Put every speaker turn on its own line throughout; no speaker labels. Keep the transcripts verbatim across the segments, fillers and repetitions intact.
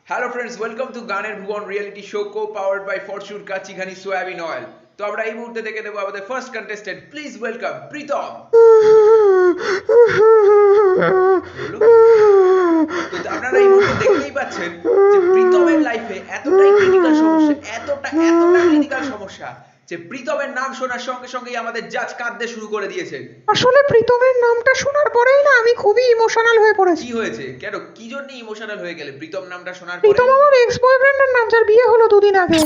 Hello friends, welcome to গানের ভুবন reality show co powered by Fortune Kachighani soyabean oil. তো আমরা এই মুহূর্তে দেখে দেবো আমাদের first contestant. Please welcome Pritam. তো আপনারা এই মুহূর্তে দেখতেই পাচ্ছেন যে প্রীতমের লাইফে এতটাই ক্রিটিক্যাল সমস্যা, এতটা এতটা ক্রিটিক্যাল সমস্যা যে প্রীতমের নাম শোনার সঙ্গে সঙ্গেই আমাদের জাজ কাঁদতে শুরু করে দিয়েছে।
আসলে প্রীতমের নামটা শোনার পরেই না আমি খুবই ইমোশনাল হয়ে পড়েছি।
কি হয়েছে? কেন, কি জন্য ইমোশনাল হয়ে গেলে প্রীতম নামটা শোনার পরে?
প্রীতম আমার এক্স বয়ফ্রেন্ডের নাম, যার বিয়ে হলো দুদিন আগে।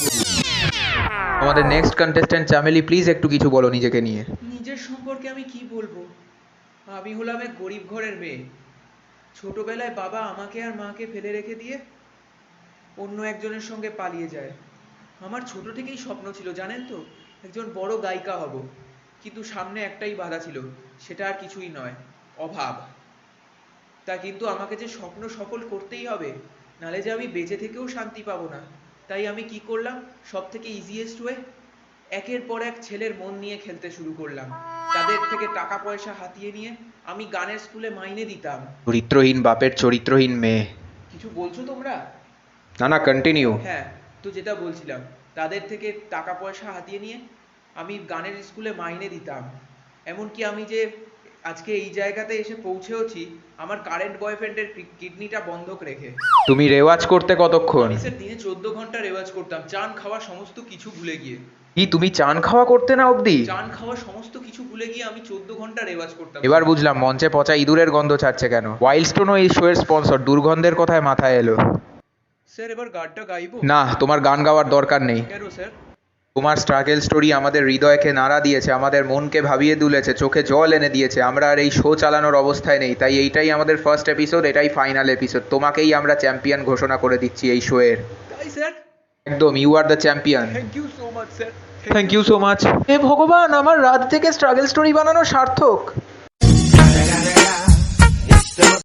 আমাদের নেক্সট কন্টেস্ট্যান্ট চামেলি, প্লিজ একটু কিছু বলো নিজেকে নিয়ে।
নিজের সম্পর্কে আমি কি বলবো? আমি হলাম এক গরিব ঘরের মেয়ে। ছোটবেলায় বাবা আমাকে আর মাকে ফেলে রেখে দিয়ে অন্য একজনের সঙ্গে পালিয়ে যায়। আমার ছোট থেকেই স্বপ্ন ছিল, জানেন তো, একজন বড় গায়িকা হব। কিন্তু সামনে একটাই বাধা ছিল, সেটা আর কিছুই নয়, অভাব। তা কিন্তু আমাকে যে স্বপ্ন সফল করতেই হবে, নালে যে আমি বেঁচে থেকেও শান্তি পাবো না। তাই আমি কি করলাম? সব থেকে ইজিয়েস্ট ওয়ে, একের পর এক ছেলের মন নিয়ে খেলতে শুরু করলাম। তাদের থেকে টাকা পয়সা হাতিয়ে নিয়ে আমি গানের স্কুলে মাইনে দিতাম।
চরিত্রহীন বাপের চরিত্রহীন মেয়ে।
কিছু বলছো তোমরা?
না না, কন্টিনিউ।
হ্যাঁ, তো যেটা বলছিলাম, তাদের থেকে টাকা পয়সা হাতিয়ে নিয়ে আমি গানের স্কুলে মাইনে দিতাম। এমনকি আমি যে আজকে এই জায়গাতে এসে পৌঁছেওছি আমার কারেন্ট বয়ফ্রেন্ডের কিডনিটা বন্ধক রেখে।
তুমি রেওয়াজ করতে কতক্ষণ?
আমি স্যার দিনে চোদ্দ ঘন্টা রেওয়াজ করতাম, চান খাওয়া সমস্ত কিছু ভুলে গিয়ে।
কি তুমি চান খাওয়া করতে না অবধি?
চান খাওয়া সমস্ত কিছু ভুলে গিয়ে আমি চোদ্দ ঘন্টা রেওয়াজ করতাম।
এবার বুঝলাম মঞ্চে পচা ইঁদুরের গন্ধ ছাড়ছে কেন। ওয়াইল্ডস্টোনও এই শো এর স্পন্সর, দুর্গন্ধের কথায় মাথায় এলো।
স্যার এবার গানটা গাইবো?
না, তোমার গান গাওয়ার দরকার নেই।
কেন স্যার?
তোমার স্ট্রাগল স্টোরি আমাদের হৃদয়কে নাড়া দিয়েছে, আমাদের মনকে ভাবিয়ে তুলেছে, চোখে জল এনে দিয়েছে। আমরা আর এই শো চালানোর অবস্থায় নেই, তাই এইটাই আমাদের ফার্স্ট এপিসোড, এটাই ফাইনাল এপিসোড। তোমাকেই আমরা চ্যাম্পিয়ন ঘোষণা করে দিচ্ছি এই শো এর।
তাই স্যার?
একদম, you are the champion.
Thank you so much sir.
Thank you so much.
হে ভগবান, আমার রাত থেকে স্ট্রাগল স্টোরি বানানো সার্থক।